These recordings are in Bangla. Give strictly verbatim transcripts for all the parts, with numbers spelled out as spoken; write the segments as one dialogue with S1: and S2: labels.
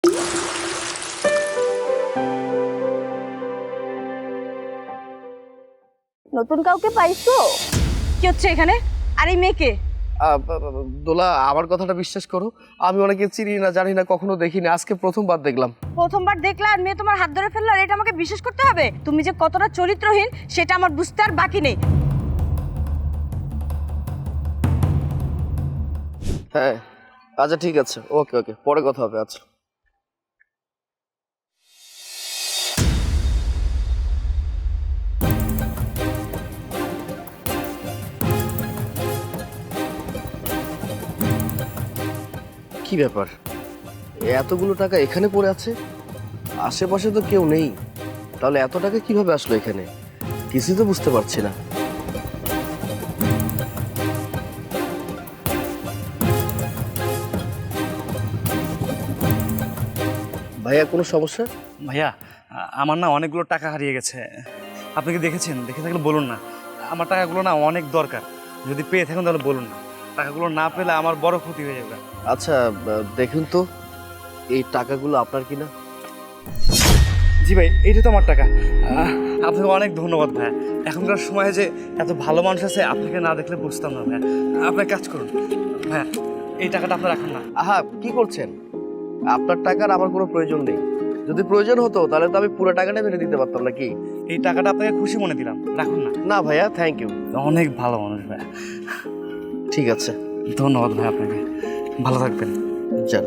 S1: নতুন কাউকে পাইছো?
S2: কি হচ্ছে এখানে? আর এই মেয়েকে?
S3: দোলা, আমার কথাটা বিশ্বাস করো, আমি অনেকে চিনি না, জানি না, কখনো দেখিনি, আজকে প্রথমবার দেখলাম।
S2: প্রথমবার দেখলে আর মেয়ে তোমার হাত ধরে ফেললো আর এটা আমাকে বিশ্বাস করতে হবে? তুমি যে কতটা চরিত্রহীন সেটা আমার বুঝতে আর বাকি নেই।
S3: হ্যাঁ আচ্ছা ঠিক আছে, ওকে ওকে, পরে কথা হবে। আচ্ছা কি ব্যাপার, এতগুলো টাকা এখানে পড়ে আছে? আশেপাশে তো কেউ নেই, তাহলে এত টাকা কিভাবে আসলো এখানে? কিছুই তো বুঝতে পারছি না। ভাইয়া কোনো সমস্যা?
S4: ভাইয়া, আমার না অনেকগুলো টাকা হারিয়ে গেছে। আপনি কি দেখেছেন? দেখে থাকলে বলুন না। আমার টাকাগুলো না অনেক দরকার, যদি পেয়ে থাকুন তাহলে বলুন না। টাকাগুলো না পেলে আমার বড় ক্ষতি হয়ে যাবে।
S3: আচ্ছা দেখুন তো, এই টাকাগুলো আপনার কিনা?
S4: জি ভাই, এইটা তো আমার টাকা। আপনাকে অনেক ধন্যবাদ ভাইয়া। এখনকার সময়ে যে এত ভালো মানুষ আছে, আপনাকে না দেখলে বুঝতাম না ভাইয়া। আপনার কাজ করুন ভাইয়া, এই টাকাটা আপনি রাখুন না।
S3: আহা, কি করছেন? আপনার টাকার আমার কোনো প্রয়োজন নেই। যদি প্রয়োজন হতো তাহলে তো আমি পুরো টাকাটা ফেলে দিতে পারতাম নাকি?
S4: এই টাকাটা আপনাকে খুশি মনে দিলাম, রাখুন না।
S3: না ভাইয়া, থ্যাংক ইউ।
S4: অনেক ভালো মানুষ ভাইয়া।
S3: ঠিক আছে,
S4: ধন্যবাদ ভাই আপনাকে। ভালো থাকবেন।
S3: যান।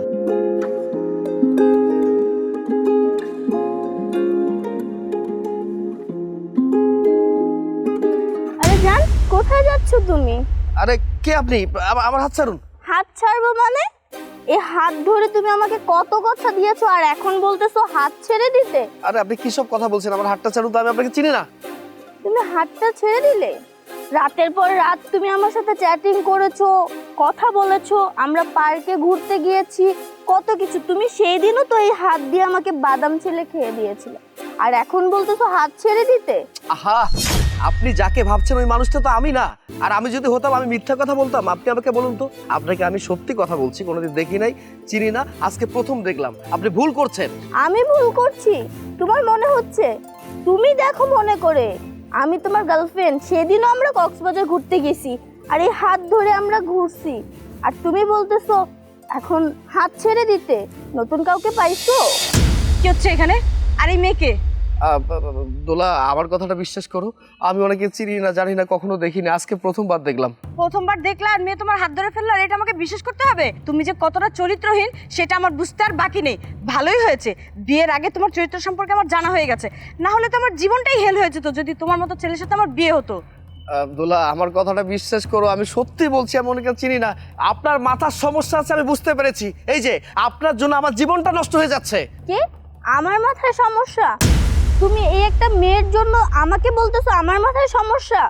S1: আরে জান, কোথায় যাচ্ছ তুমি?
S3: আরে কে আপনি? আমা- আমার হাত ছাড়ুন।
S1: হাত ছাড়বো মানে? এই হাত ধরে তুমি আমাকে কত কথা দিয়েছো আর এখন বলতেছো হাত ছেড়ে দিতে?
S3: আরে আপনি কি সব কথা বলছেন? আমার হাতটা ছাড়ুন তো, আমি আপনাকে চিনি না।
S1: তুমি হাতটা ছেড়ে দিলে? রাতের পর রাত তুমি আমার সাথে চ্যাটিং করেছো, কথা বলেছো, আমরা পার্কে ঘুরতে গিয়েছি, কত কিছু। তুমি সেই দিনও তো এই হাত দিয়ে আমাকে বাদাম ছেলে খেয়ে দিয়েছিলে, আর এখন বলতেছো হাত ছেড়ে দিতে?
S3: আহা, আপনি যাকে ভাবছেন ওই মানুষটা তো আমি না। আর আমি যদি হতাম আমি মিথ্যা কথা বলতাম? আপনি আমাকে বলুন তো। আপনাকে আমি সত্যি কথা বলছি, কোনোদিন দেখি নাই, চিনি না, আজকে প্রথম দেখলাম। আপনি ভুল করছেন।
S1: আমি ভুল করছি? তোমার মনে হচ্ছে? তুমি দেখো মনে করে, আমি তোমার গার্লফ্রেন্ড। সেদিনও আমরা কক্সবাজার ঘুরতে গেছি, আর এই হাত ধরে আমরা ঘুরছি, আর তুমি বলতেছো এখন হাত ছেড়ে দিতে? নতুন কাউকে পাইছো?
S2: কি হচ্ছে এখানে? আর এই মেয়েকে?
S3: আহ, ব- ব- দোলা, আমার কথাটা বিশ্বাস করো, আমি অনেকে চিনি না, জানি না, কখনো দেখিনি, আজকে প্রথমবার দেখলাম।
S2: প্রথমবার দেখলে আর মেয়ে তোমার হাত ধরে ফেললো আর এটা আমাকে বিশ্বাস করতে হবে? তুমি যে কতটা চরিত্রহীন সেটা আমার বুঝতে আর বাকি নেই। ভালোই হয়েছে বিয়ের আগে তোমার চরিত্র সম্পর্কে আমার জানা হয়ে গেছে, না হলে তো আমার জীবনটাই হেল হয়ে যেত যদি তোমার মতো ছেলের সাথে আমার বিয়ে হতো।
S3: আহ, দোলা, আমার কথাটা বিশ্বাস করো, আমি সত্যি বলছি, আমি অনেকে চিনি না। আপনার মাথার সমস্যা আছে, আমি বুঝতে পেরেছি। এই যে আপনার জন্য আমার জীবনটা নষ্ট হয়ে যাচ্ছে।
S1: কি আমার মাথায় সমস্যা? তুমি এই একটা মেয়ের জন্য আমাকে বলতেছো আমার মাথায় সমস্যা?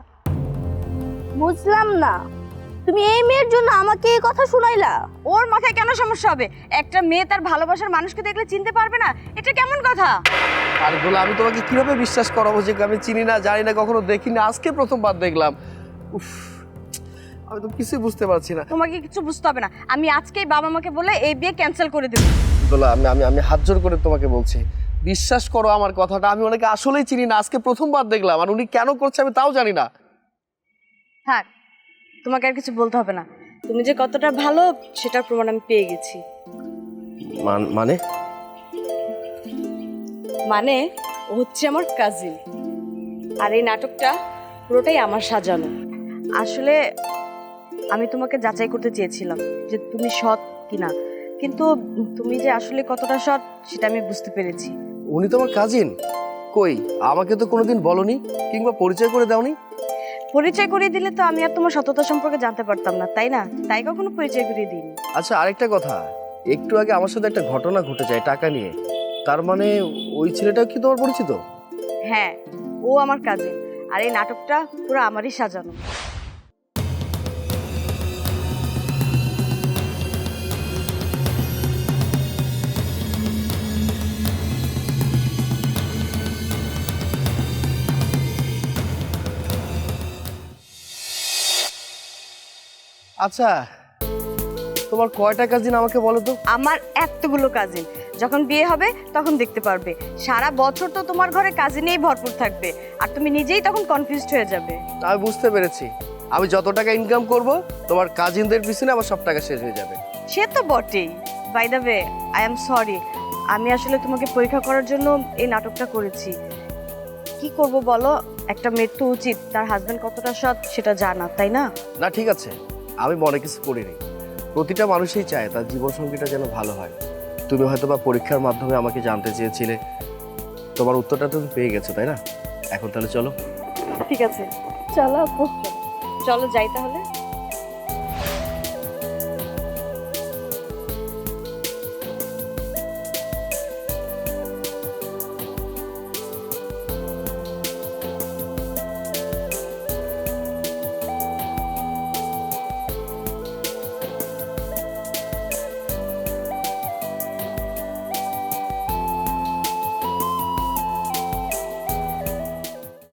S1: বুঝলাম না, তুমি এই মেয়ের জন্য আমাকে এই কথা শুনাইলা?
S2: ওর মাথায় কেন সমস্যা হবে? একটা মেয়ে তার ভালোবাসার মানুষকে দেখলে চিনতে পারবে না, এটা কেমন কথা?
S3: আর দোলা, আমি তোমাকে কিভাবে বিশ্বাস করাবো যে আমি চিনি না, জানি না, কখনো দেখিনি, আজকে প্রথমবার দেখলাম। উফ, আমি তো কিছুই বুঝতে পারছি না।
S2: তোমাকে কিছু বুঝতে হবে না, আমি আজকেই বাবা মাকে বলে এই বিয়ে ক্যান্সেল করে দেবো।
S3: দোলা, আমি আমি আমি হাত জোর করে তোমাকে বলছি, বিশ্বাস করো আমার কথাটা। আমি ওনাকে আসলেই চিনি না, আজকে প্রথমবার দেখলাম, আর উনি কেন করছে আমি তাও জানি না।
S2: থাক, তোমাকে আর কিছু বলতে হবে না। তুমি যে কতটা ভালো সেটার প্রমাণ আমি পেয়ে গেছি।
S3: মান- মানে
S2: মানে ও হচ্ছে আমার কাজিন, আর এই নাটকটা পুরোটাই আমার সাজানো। আসলে আমি তোমাকে যাচাই করতে চেয়েছিলাম যে তুমি সৎ কিনা, কিন্তু তুমি যে আসলে কতটা সৎ সেটা আমি বুঝতে পেরেছি।
S3: উনি তো আমার কাজিন? কই, আমাকে তো কোনোদিন বলনি কিংবা পরিচয় করে দাওনি।
S2: পরিচয় করিয়ে দিলে তো আমি আর তোমার সততা সম্পর্কে জানতে পারতাম না, তাই না? তাই কখনো পরিচয় করিয়ে দিইনি।
S3: আচ্ছা, আরেকটা কথা, একটু আগে আমার সাথে একটা ঘটনা ঘটে যায় টাকা নিয়ে, তার মানে ওই ছেলেটাও কি তোমার পরিচিত?
S2: হ্যাঁ, ও আমার কাজিন, আর এই নাটকটা পুরো আমারই সাজানো।
S3: আচ্ছা, তোমার কয়টা কাজিন আমাকে বলো তো?
S2: আমার এতগুলো কাজিন, যখন বিয়ে হবে তখন দেখতে পারবে। সারা বছর তো তোমার ঘরে কাজে নিয়েই ভরপুর থাকবে, আর তুমি নিজেই তখন কনফিউজড হয়ে যাবে।
S3: আমি বুঝতে পেরেছি, আমি যত টাকা ইনকাম করব তোমার কাজিনদের পিছনে আমার সব টাকা শেষ হয়ে যাবে।
S2: সে তো বটেই। By the way, I am sorry, আমি আসলে তোমাকে পরীক্ষা করার জন্য এই নাটকটা করেছি। কি করব বলো, একটা মেয়ের তো উচিত তার হাজবেন্ড কতটা সৎ সেটা জানা, তাই না?
S3: না ঠিক আছে, আমি মনে কিছু করিনি। প্রতিটা মানুষই চায় তার জীবনসঙ্গীটা যেন ভালো হয়। তুমি হয়তো বা পরীক্ষার মাধ্যমে আমাকে জানতে চেয়েছিলে, তোমার উত্তরটা তুমি পেয়ে গেছো, তাই না? এখন তাহলে চলো।
S2: ঠিক আছে,
S1: চলো আপু।
S2: চলো যাই তাহলে।